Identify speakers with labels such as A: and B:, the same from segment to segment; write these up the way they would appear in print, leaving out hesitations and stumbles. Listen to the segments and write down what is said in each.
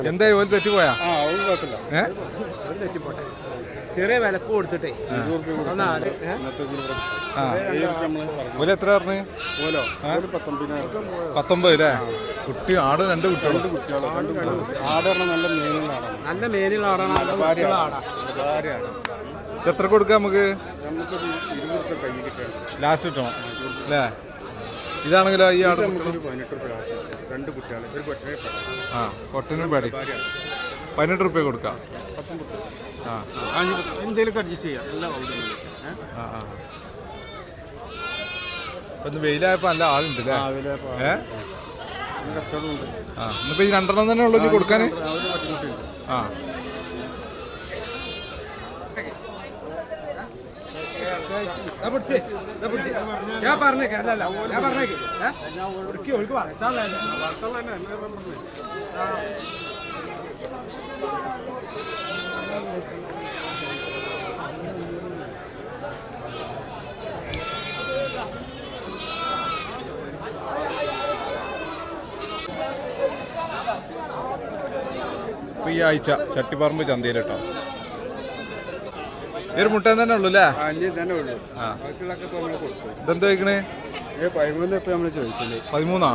A: എന്തായി ഓല് തെറ്റിപ്പോയാ?
B: ചെറിയ വിലക്ക് കൊടുത്തിട്ടേ
A: ഓല് എത്ര പറഞ്ഞു? 19 അല്ലേ? കുട്ടി ആട് 2 കുട്ടികൾ.
B: ആട് നല്ല മേലുള്ള ആടാണ്.
A: എത്ര കൊടുക്കാം നമുക്ക്? ലാസ്റ്റ് കിട്ടണം അല്ലേ? ഇതാണെങ്കിലോ ഈ ആട്
B: 2 കുട്ടികൾ
A: ആ കൊട്ടനും പേടി 18 റുപ്യ കൊടുക്കാം.
B: എന്തെങ്കിലും അഡ്ജസ്റ്റ് ചെയ്യാം.
A: ഇപ്പൊ വെയിലായപ്പോ നല്ല ആളുണ്ട് അല്ലേ? ഇന്നിപ്പോ ഈ 2 തന്നെ ഉള്ളു ഇനി കൊടുക്കാന്.
B: ഞാൻ പറഞ്ഞേക്ക്
A: ഇപ്പൊ ഈ ആഴ്ച ചട്ടിപ്പറമ്പ് ചന്തയിൽ കേട്ടോ ഒരു മുട്ട തന്നെ ഉള്ളു അല്ലേ? ഇതെന്താ ചോദിക്കണേ? 13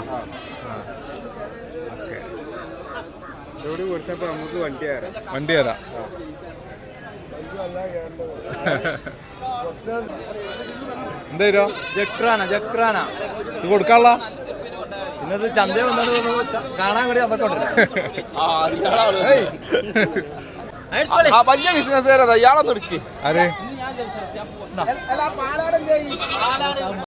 A: വണ്ടി തരാം. എന്താ
B: ജക്രാന
A: ഇത് കൊടുക്കാനുള്ള
B: ഇന്നത് ചന്ത കാണാൻ കൂടി അതൊക്കെ
C: വലിയ ബിസിനസ് ഇയാളൊന്നും എടുക്കേ
A: ആരെ